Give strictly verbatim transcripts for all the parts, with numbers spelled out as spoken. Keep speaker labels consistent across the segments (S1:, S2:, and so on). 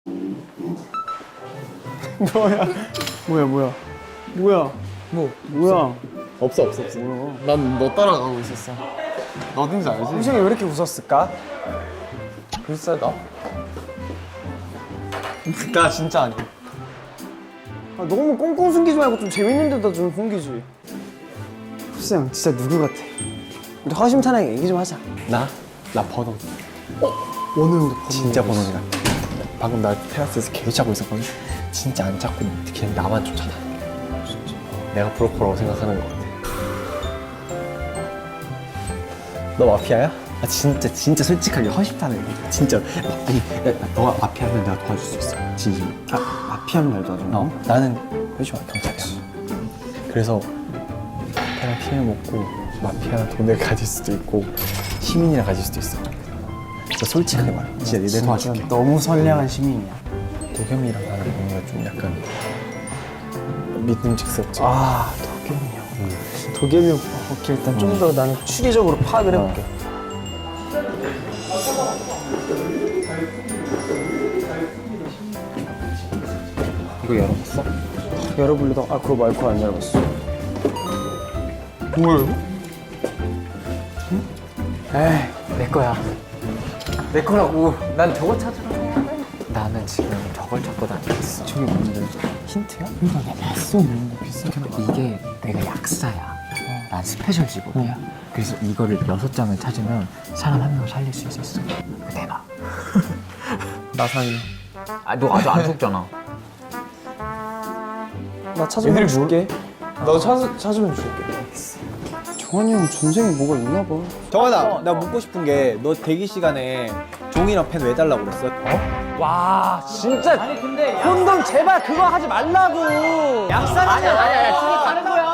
S1: 뭐야? 뭐야 뭐야? 뭐야?
S2: 뭐?
S1: 뭐야?
S2: 없어 없어 없어. 난 너 따라가고 있었어. 너 어딘지 알지?
S1: 희정이 왜 이렇게 웃었을까?
S2: 글쎄 나. 나 진짜 아니야.
S1: 아, 너무 꽁꽁 숨기지 말고 좀 재밌는 데다 좀 숨기지. 후스형 진짜 누구 같아? 우리 허심탄회하게 얘기 좀 하자.
S2: 나? 나 번호.
S1: 원우 형도 번호
S2: 진짜 번호지 같아. 방금 나 테라스에서 계속 자고 있었거든. 진짜 안 찾고 그냥 나만 쫓아다. 진짜. 내가 브로커라고 생각하는 것 같아. 너 마피아야? 아 진짜 진짜 솔직하게 허심탄회. 진짜 아니 야, 너가 마피아면 내가 도와줄 수 있어. 진심.
S1: 아 마피아는 날 도와줘.
S2: 어 나는 회주와 경찰이야. 그래서 마피아랑 피해 먹고 마피아랑 돈을 가질 수도 있고 시민이랑 가질 수도 있어. 너 솔직하게 말해. 진짜 내 도와줄게.
S1: 너무 선량한 시민이야.
S2: 도겸이랑 나랑 뭔가 좀 약간 믿음직스럽지.
S1: 아 도겸이 형. 응. 도겸이 형. 오케이 일단 좀 더 나는 추리적으로 파악을 해볼게.
S2: 이거 열어봤어?
S1: 열어보려다 아 그거 말고 안 열어봤어.
S2: 뭐야 이거?
S1: 에이
S3: 내 거야. 내 거라고. 난 저거 찾으러 가야 돼. 나는 지금 저걸 찾고 다녔어.
S1: 저게 뭔데?
S3: 힌트야?
S1: 그러니까 나 봤어 뭔가 비슷하게 나.
S3: 이게 내가 약사야. 난 스페셜 직업이야. 그래서 이거를 여섯 장을 찾으면 사람 한 명을 살릴 수 있었어. 대박.
S1: 나상이.
S3: 아, 너 아직 안 죽잖아.
S1: 나 찾으면 줄게. 너 찾, 찾으면 줄게. 정환이 형 전생에 뭐가 있나 봐.
S4: 정환아, 나 묻고 싶은 게 너 대기 시간에 종이랑 펜 왜 달라고 그랬어?
S1: 와 진짜. 아니 근데 혼돈 제발 그거 하지 말라고. 약사는 아니야 아니야 아니야 둘이 다른 거야.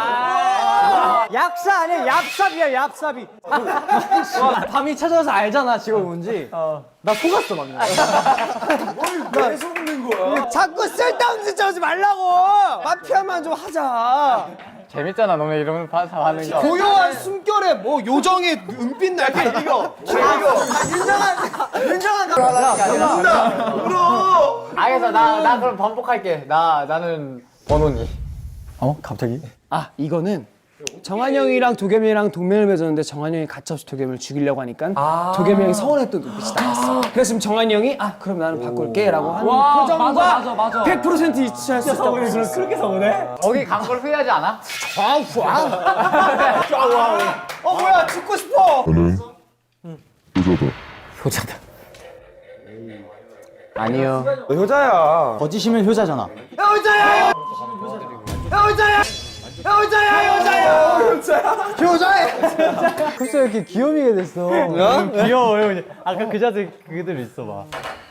S1: 약사 아니야 얍삽이야 얍삽이. 와, 밤이 찾아와서 알잖아 지금 뭔지. 나 속았어 방금. 왜 속는 거야? 자꾸 쓸데없는 짓 하지 말라고. 마피아만 좀 하자.
S3: 재밌잖아, 너네 이러면 다 하는 거.
S4: 고요한 숨결에 뭐 요정의 은빛 날개 이거.
S3: 알겠어, 나, 나 그럼 반복할게. 나, 나는 번호니.
S2: 어? 갑자기?
S1: 아 이거는 정한이 형이랑 도겸이 형이랑 동맹을 맺었는데 정한이 형이 가차없이 도겸이를 죽이려고 하니까 도겸이 형이 서운했던 눈빛이 나왔어. 그래서 지금 정한이 형이 아 그럼 나는 바꿀게 라고 하는 표정과 맞아, 맞아, 맞아. 백 퍼센트 일치할 수 있다고 했어.
S4: 그렇게 서운해?
S3: 거기 간 걸 후회하지 않아?
S4: 어 뭐야 죽고 싶어.
S3: 효자다.
S1: 아니요.
S4: 너 효자야.
S1: 거짓이면 효자잖아.
S4: 효자야. 효자야. 효자야 효자야. 효자야.
S1: 벌써 이렇게 귀요미게 됐어.
S5: 귀여워요. 아까 그 자세 그대로 있어봐.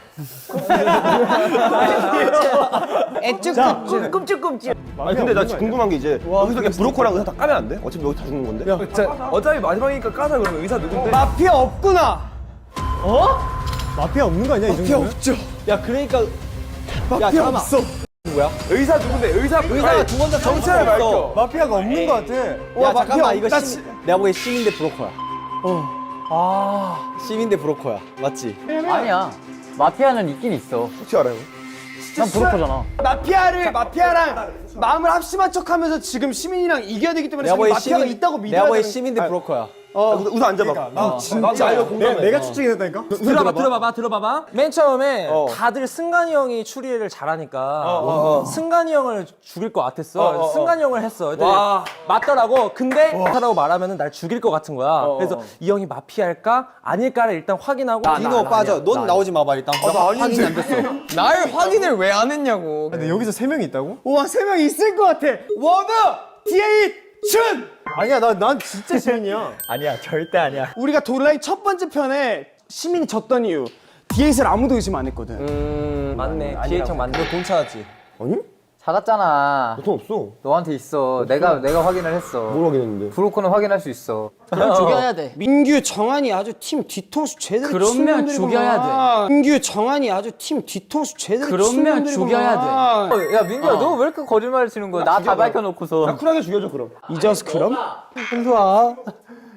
S1: 애쭉 꿈찔꿈찔.
S4: 아니 근데 나 궁금한 게 이제 여기서 그냥 브로커랑 의사 다 까면 안 돼? 어차피 여기 다 죽는 건데?
S6: 어차피 마지막이니까 까자 그러면 의사 누군데?
S1: 마피아 없구나.
S5: 마피아 없는 거 아니야 이 정도면?
S1: 없죠.
S4: 야 그러니까
S1: 마피아 없어.
S6: 의사 누군데? 의사
S4: 의사가 두 번 다
S6: 정체를 밝혀.
S5: 마피아가 없는 거 같아.
S4: 야 잠깐만 이거 시, 내가 보기엔 시민 대 브로커야. 어. 아 시민 대 브로커야. 맞지?
S3: 아니야. 마피아는 있긴 있어.
S6: 어떻게 알아요?
S3: 난 브로커잖아.
S1: 마피아를 마피아랑 마음을 합심한 척하면서 지금 시민이랑 이겨야 되기 때문에
S4: 내가
S1: 지금
S4: 보기엔
S1: 마피아가
S4: 시민
S1: 있다고 믿어야
S4: 내가 보기엔
S1: 되는.
S4: 시민 대 브로커야.
S6: 우선 앉아봐.
S1: 나 진짜
S6: 나 이거 공감해.
S5: 내가 추측했다니까?
S7: 들어봐 들어봐봐 들어봐봐 맨 처음에
S4: 어.
S7: 다들 승관이 형이 추리를 잘하니까
S4: 어, 어.
S7: 승관이 형을 죽일 것 같았어
S4: 어, 어, 어.
S7: 승관이 형을 했어 근데
S4: 와.
S7: 맞더라고 근데 마피아라고 말하면 날 죽일 것 같은 거야
S4: 어,
S7: 그래서
S4: 어.
S7: 이 형이 마피아일까 아닐까를 일단 확인하고
S4: 디노 빠져. 넌 나오지 마봐 일단. 확인이 안 됐어.
S2: 날 확인을 왜 안 했냐고.
S5: 근데 여기서 세 명이 있다고?
S1: 와 세 명 있을 것 같아. 워브 디에잇 준.
S5: 아니야 나 난 진짜 시민이야.
S4: 아니야 절대 아니야.
S1: 우리가 도라이 첫 번째 편에 시민이 졌던 이유 디에잇을 아무도 의심 안 했거든.
S7: 음 맞네 기회청 맞네
S4: 돈 찾았지?
S3: 찾았잖아.
S6: 돈 없어.
S3: 너한테 있어. 내가, 내가 확인을 했어.
S6: 뭘 확인했는데?
S3: 브로커는 확인할 수 있어.
S1: 죽여야 돼. 민규 정한이 아주 팀 뒤통수 제대로
S3: 그러면
S1: 치는 놈들이구만.
S3: 죽여야
S1: 민규 정한이 아주 팀 뒤통수 제대로
S3: 그러면
S1: 치는 놈들이구만.
S3: 죽여야 돼. 야, 민규야, 너 왜 이렇게 거짓말을 치는 거야? 나 다 밝혀놓고서.
S6: 쿨하게 죽여줘 그럼.
S1: 이저스 그럼?
S5: 현수아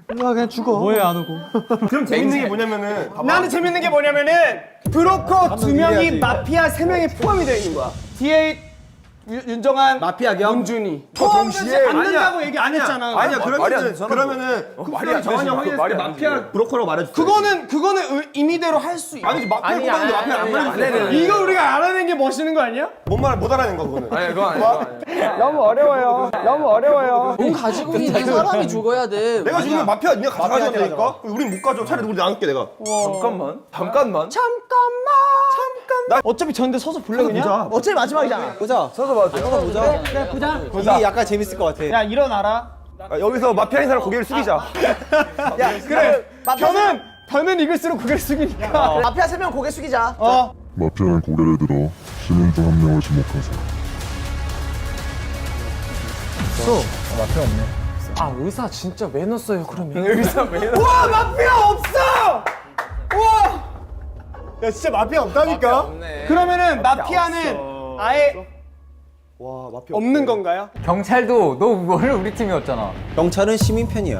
S5: 뭐해 안 오고?
S6: 그럼 재밌는 게 뭐냐면은
S1: 나는 재밌는 게 뭐냐면은 브로커 두 명이 마피아 세 명이 포함이 되어 있는 거야. 디에잇 유- 윤정한
S4: 마피아 겸?
S1: 문준이 포함되지 않는다고 얘기 안 했잖아.
S6: 아니야
S4: 말이 안
S6: 그러면은
S4: 되잖아,
S6: 그러면은
S4: 말이 안
S6: 정한이 형
S4: 되지.
S6: 확인했을
S4: 말이
S6: 때
S4: 안
S6: 마피아 브로커라고 말해줘.
S1: 그거는 그거는 의- 임의대로 할 수 있어.
S6: 아니지 마피아 뽑았는데 마피아 안 말해줬어.
S1: 이거 우리가 알아낸 게 멋있는 거 아니야?
S6: 뭔말못 알아낸 거 그거는. 아니 그거 아니야.
S1: 너무 어려워요. 너무 어려워요.
S3: 돈 가지고 있는 사람이 죽어야 돼.
S6: 내가 지금 마피아 니가 가져가자니까. 우린 못 가져. 차라리 우리 나눌게 내가. 잠깐만. 잠깐만.
S1: 잠깐만. 잠깐. 어차피 전데 서서 볼래 그냥?
S4: 어차피 마지막이잖아. 보자. 서서 봐. 서서 보자. 그래 보자. 이게 약간 재밌을 것 같아.
S1: 야 일어나라.
S6: 아, 여기서 마피아인 사람 고개를 숙이자.
S4: 야 그래.
S1: 변은 변은 익을수록 고개를 숙이니까.
S4: 마피아 세 명 고개 숙이자.
S1: 어.
S8: 마피아는 고개를 들어 시민 중 한 명을 지목하세요.
S3: 아 의사 진짜 왜 넣었어요 그러면?
S1: 와 마피아 없어. 와.
S6: 야 진짜 마피아 없다니까.
S1: 그러면은 마피아는 아예
S6: 와 마피아
S1: 없는 건가요?
S3: 경찰도 너 원래 우리 팀이었잖아.
S4: 경찰은 시민 편이야.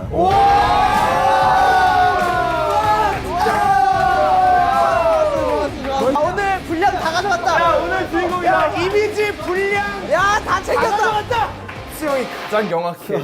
S4: 오늘 분량 다 가져갔다.
S1: 야 오늘 주인공이다. 이미지 불량.
S4: 야 다 챙겼다.
S6: 수영이 가장 명확해.